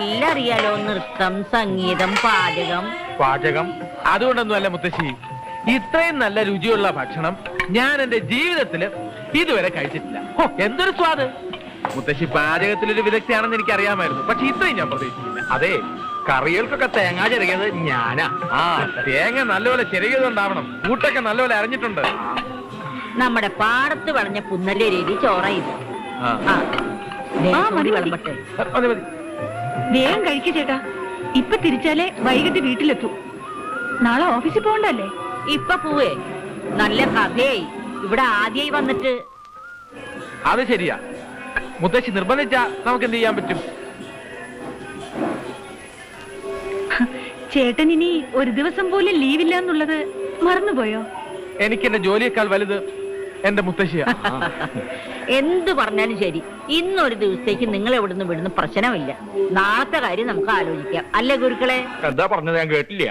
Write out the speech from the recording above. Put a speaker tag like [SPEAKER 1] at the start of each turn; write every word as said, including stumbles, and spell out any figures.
[SPEAKER 1] എല്ലാം അറിയാലോ. നൃത്തം, സംഗീതം, പാചകം.
[SPEAKER 2] പാചകം അതുകൊണ്ടൊന്നും അല്ല മുത്തശ്ശി, ഇത്രയും നല്ല രുചിയുള്ള ഭക്ഷണം ഞാൻ എന്റെ ജീവിതത്തില് ഇതുവരെ കഴിച്ചിട്ടില്ല. ഹോ, എന്തൊരു സ്വാദ്! മുത്തശ്ശി പാചകത്തിലൊരു വിദഗ്ധയാണെന്ന് എനിക്ക് അറിയാമായിരുന്നു, പക്ഷെ ഇത്രയും ഞാൻ പ്രതീക്ഷിച്ചില്ല.
[SPEAKER 3] അതെ, കറികൾക്കൊക്കെ തേങ്ങ ചിരകിയത് ഞാനാ.
[SPEAKER 2] ആ തേങ്ങ നല്ലപോലെ ചെറിയതുണ്ടാവണം, കൂട്ടൊക്കെ നല്ലപോലെ അറിഞ്ഞിട്ടുണ്ട്.
[SPEAKER 1] നമ്മുടെ പാടത്ത് വളഞ്ഞ പുന്നല്ലേ രീതി ചോറയില്ല.
[SPEAKER 2] ആ.
[SPEAKER 1] വിളമ്പട്ടെ.
[SPEAKER 2] മതി മതി.
[SPEAKER 4] വേഗം കഴിക്കു ചേട്ടാ, ഇപ്പൊ തിരിച്ചാലേ വൈകിട്ട് വീട്ടിലെത്തൂ. നാളെ ഓഫീസിൽ പോകണ്ടല്ലേ?
[SPEAKER 1] ഇപ്പൊ പോവേ, നല്ല കഥയായി. ഇവിടെ ആദ്യമായി വന്നിട്ട്.
[SPEAKER 2] അത് ശരിയാ, മുത്തശ്ശി നിർബന്ധിച്ചാ നമുക്ക് എന്ത് ചെയ്യാൻ പറ്റും?
[SPEAKER 4] ചേട്ടൻ ഇനി ഒരു ദിവസം പോലും ലീവില്ല എന്നുള്ളത് മറന്നുപോയോ?
[SPEAKER 2] എനിക്ക് എന്റെ ജോലിയേക്കാൾ വലുത് എന്റെ മുത്തശ്ശിയാ.
[SPEAKER 1] എന്ത് പറഞ്ഞാലും ശരി, ഇന്നൊരു ദിവസത്തേക്ക് നിങ്ങൾ എവിടുന്ന് വിടുന്ന പ്രശ്നമില്ല. നാളത്തെ കാര്യം നമുക്ക് ആലോചിക്കാം, അല്ലേ ഗുരുക്കളെ?
[SPEAKER 3] എന്താ പറഞ്ഞത് ഞാൻ കേട്ടില്ല.